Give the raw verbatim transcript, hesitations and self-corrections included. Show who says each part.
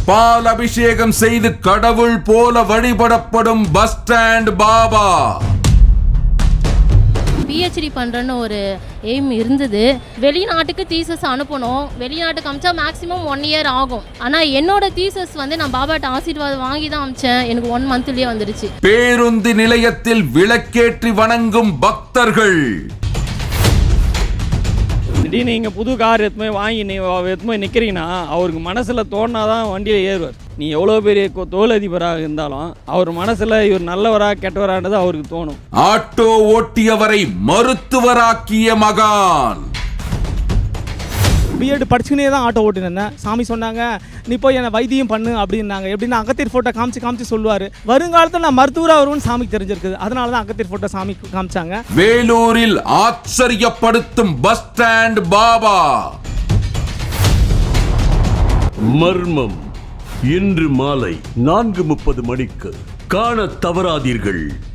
Speaker 1: பால் அபிஷேகம் செய்து கடவுள் போல வழிபடப்படும் பஸ் ஸ்டாண்ட் பாபா.
Speaker 2: பிஹெச்டி பண்ணுறன்னு ஒரு எய்ம் இருந்தது. வெளிநாட்டுக்கு தீசஸ் அனுப்பணும். வெளிநாட்டுக்கு அமிச்சா மேக்ஸிமம் ஒன் இயர் ஆகும். ஆனால் என்னோட தீசஸ் வந்து நான் பாபாட்ட ஆசீர்வாதம் வாங்கி தான் அமிச்சேன். எனக்கு ஒன் மந்த்லேயே வந்துடுச்சு.
Speaker 1: பேருந்து நிலையத்தில் விளக்கேற்றி வணங்கும் பக்தர்கள்.
Speaker 3: திடீர்னு நீங்கள் புது கார் எத்துமே வாங்கி நீ எத்துமே நிற்கிறீங்கன்னா அவருக்கு மனசில் தோணாதான் வண்டியில் ஏறுவார். நீ எவ்வளோ பெரிய தொழிலதிபராக இருந்தாலும் அவர் மனசில் இவர் நல்லவரா கெட்டவரான்றது அவருக்கு தோணும்.
Speaker 1: ஆட்டோ ஓட்டியவரை மருத்துவராக்கிய மகான்.
Speaker 4: பிஎட் படிச்சுனே தான் ஆட்டோ ஓட்டினேன். சாமி சொன்னாங்க நீ போய் என்னை வைத்தியம் பண்ணு அப்படின்னாங்க. எப்படின்னா அகத்தியர் ஃபோட்டோ காமிச்சு காமிச்சு சொல்லுவார். வருங்காலத்தில் நான் மருத்துவராக வருவேன்னு சாமிக்கு தெரிஞ்சிருக்குது. அதனால தான் அகத்தியர் ஃபோட்டோ சாமி காமிச்சாங்க.
Speaker 1: வேலூரில் ஆச்சரியப்படுத்தும் பஸ் ஸ்டாண்ட் பாபா.
Speaker 5: மர்மம் இன்று மாலை நான்கு முப்பது மணிக்கு காண தவறாதீர்கள்.